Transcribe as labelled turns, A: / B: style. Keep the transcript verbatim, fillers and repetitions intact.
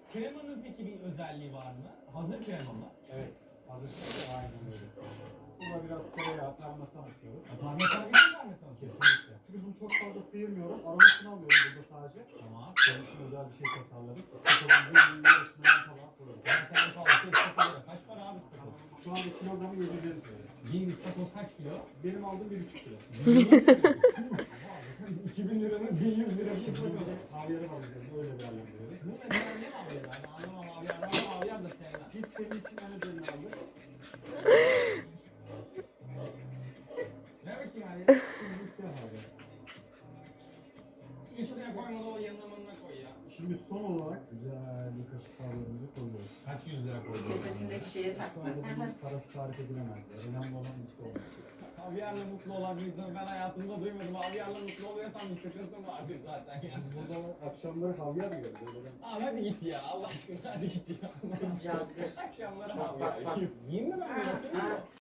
A: Kremanın peki bir özelliği var mı? Hazır krema mı?
B: Evet. Hazır şekilde aynen öyle. Buna biraz tereyağı, parmesan atıyoruz.
A: Parmesan bir şey parmesan atıyorsun.
B: Kesinlikle. Çünkü bunu çok fazla sıyırmıyorum. Aromasını alıyorum burada sadece.
A: Tamam.
B: Senin için özel bir şey tasarladık. İstakozun bir milyon üstünden tabağa koyuyoruz.
A: Ben sana sağlıklı istakoz. Kaç para abi istakoz?
B: Şu anda kilogramı yedi yüz elli lira.
A: Bir istakoz kaç kilo?
B: Benim aldığım bir buçuk kilo.
A: iki bin liranın bin yüz lira bir
B: Şimdi bir
A: istakoz.
B: de havyarı var üzerinde öyle değerlendiriyoruz.
A: Bu mesela ne havyar? Ben anlamam havyar. Ben havyar da sevmem.
B: Biz senin için en özelini aldık.
A: Ne bakayım abi?
B: Şimdi siyah havyar.
A: Üstüne koymadı o yanına manına koy ya.
B: Şimdi son olarak güzel bir kaşık havyarımızı koyuyoruz.
A: Kaç yüz lira koydun?
C: Tepesindeki şeye
B: Şu
C: takma.
B: anda bunun parası tarif edilemez. Önemli olan mutlu olmak.
A: Havyarla mutlu olan bir insanı ben hayatımda duymadım. Havyarla mutlu oluyorsan bir sıkıntın vardır zaten ya.
B: Biz burada akşamları havyar yiyoruz. Öyle
A: Abi hadi git ya. Allah aşkına hadi git ya.
C: Kızcağız bir.
A: Akşamları
C: Bak, bak,
A: havyar.
C: bak.
A: Yiyeyim mi ben?
C: Ha,
A: Yapayım mı?
C: ha.